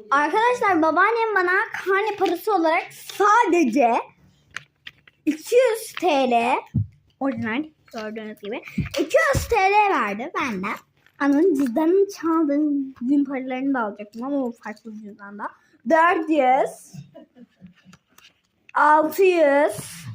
Arkadaşlar babaannem bana karne parası olarak sadece 200 TL orijinal gördüğünüz gibi 200 TL verdi benden. Ananın cüzdanını çaldığım gün paralarını da alacaktım ama o farklı bir cüzdanda. 400 600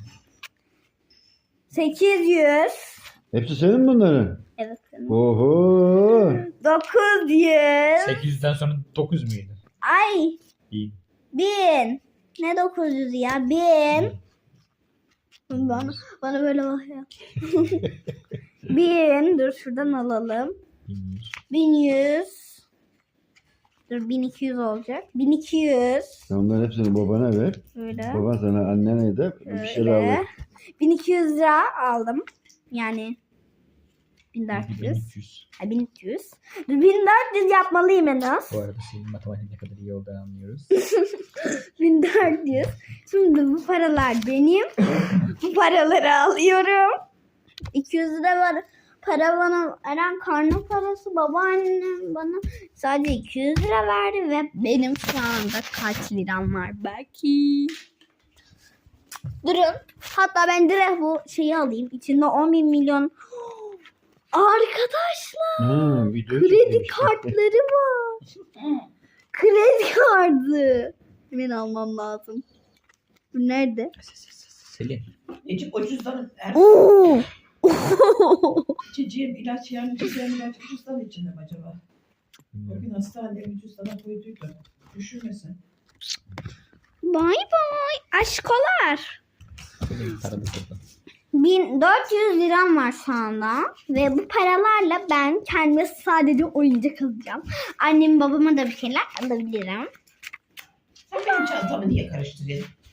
800 Hepsi senin mi bunların? Evet. Oho. 900 800'den sonra 9 müydü? Ay İyi. 1000 ne 900 ya 1000 bana böyle bakıyor. 1000 dur şuradan alalım. 1100 dur 1200 olacak. 1200 Onların hepsini babana ver. böyle. Baban sana annene de bir şeyler Öyle. alır. 1200 lira aldım. Yani 1400. 1300. Ha, 1300. 1400 yapmalıyım en az. Bu arada senin matematik ne kadar iyi olduğunu anlıyoruz. 1400. Şimdi bu paralar benim. Bu paraları alıyorum. 200 lira var. Para bana veren karnı parası babaannem bana sadece 200 lira verdi ve benim şu anda kaç liram var belki. Durun. Hatta ben direkt bu şeyi alayım. İçinde 10 milyon. Arkadaşlar. Video Kredi çekmiş. kartları var. Kredi kartı. Hemen almam lazım. Bu nerede? Selin. Necip o cüzdanın Oo. içeceğim ilaç yani içeceğim ilaç cüzdan içinde mi acaba? O gün hastaneye bir cüzdana koyduydu. Düşürmesin. Bay bay. Aşkolar. Selin paralı kırdın. 1400 liram var şu anda. Ve bu paralarla ben kendime sadece oyuncak alacağım. Annem babama da bir şeyler alabilirim. Sen benim çantamı niye karıştırıyorsun?